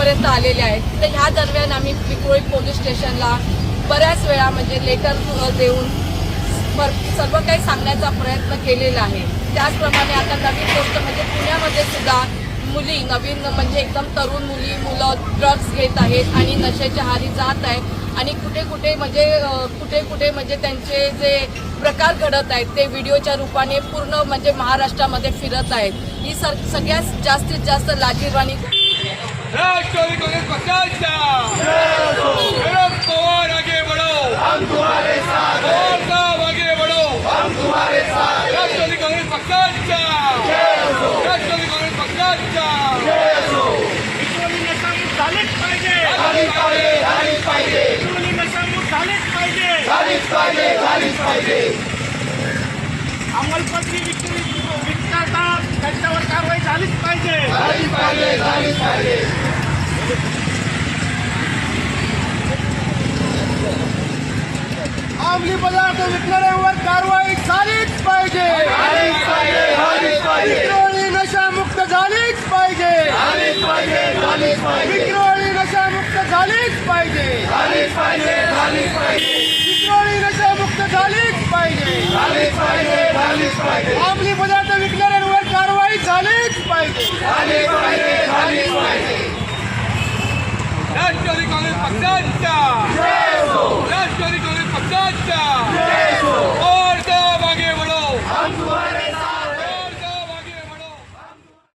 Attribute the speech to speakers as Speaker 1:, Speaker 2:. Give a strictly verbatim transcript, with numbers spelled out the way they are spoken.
Speaker 1: आमच्यापर्यंत आलेले आहेत। तर ह्या दरम्यान आम्ही विक्रोळी पोलीस स्टेशनला बऱ्याच वेळा म्हणजे लेटर देऊन सर्व काही सांगण्याचा प्रयत्न केलेला आहे। त्याचप्रमाणे आता नवीन गोष्ट म्हणजे पुण्यामध्ये सुद्धा मुली नवीन म्हणजे एकदम तरुण मुली मुलं ड्रग्स घेत आहेत आणि नशेच्या आहारी जात आहेत आणि कुठे कुठे म्हणजे कुठे कुठे म्हणजे त्यांचे जे प्रकार घडत आहेत ते व्हिडिओच्या रूपाने पूर्ण म्हणजे महाराष्ट्रामध्ये फिरत आहेत। ही सगळ्यात जास्तीत जास्त लाजीरवाणी
Speaker 2: राष्ट्रवादी कांग्रेस पक्षाचा शरद पवार आगे बढ़ो, हम तुम्हारे साथ हैं। पवार साहब आगे बढ़ो, हम तुम्हारे साथ हैं। राष्ट्रवादी कांग्रेस पक्षाचा राष्ट्रवादी कांग्रेस पक्षाचा
Speaker 3: विक्रोळी नशामुक्त झालेच पाहिजे,
Speaker 2: झालीच पाहिजे झालीच पाहिजे
Speaker 3: विक्रोळी नशामुक्त झालेच पाहिजे,
Speaker 2: झालीच पाहिजे झालीच पाहिजे
Speaker 3: अंमलपत्री विक्री विकतात त्यांच्यावर कारवाई झालीच पाहिजे,
Speaker 2: झालीच पाहिजे झालीच पाहिजे
Speaker 3: अंमली पदार्थ विकणाऱ्यांवर कारवाई झालीच पाहिजे,
Speaker 2: झालीच पाहिजे झालीच पाहिजे
Speaker 3: विक्रोळी नशामुक्त झालीच पाहिजे,
Speaker 2: झालीच पाहिजे झालीच पाहिजे
Speaker 3: विक्रोळी नशामुक्त झालीच पाहिजे,
Speaker 2: झालीच पाहिजे झालीच पाहिजे
Speaker 3: विक्रोळी नशामुक्त झालीच पाहिजे,
Speaker 2: झालीच पाहिजे झालीच पाहिजे
Speaker 3: अंमली पदार्थ विकणाऱ्यांवर कारवाई झालीच पाहिजे,
Speaker 2: झालीच पाहिजे झालीच पाहिजे राष्ट्रवादी काँग्रेस पक्षाचा राष्ट्रवादी काँग्रेस पक्षाचा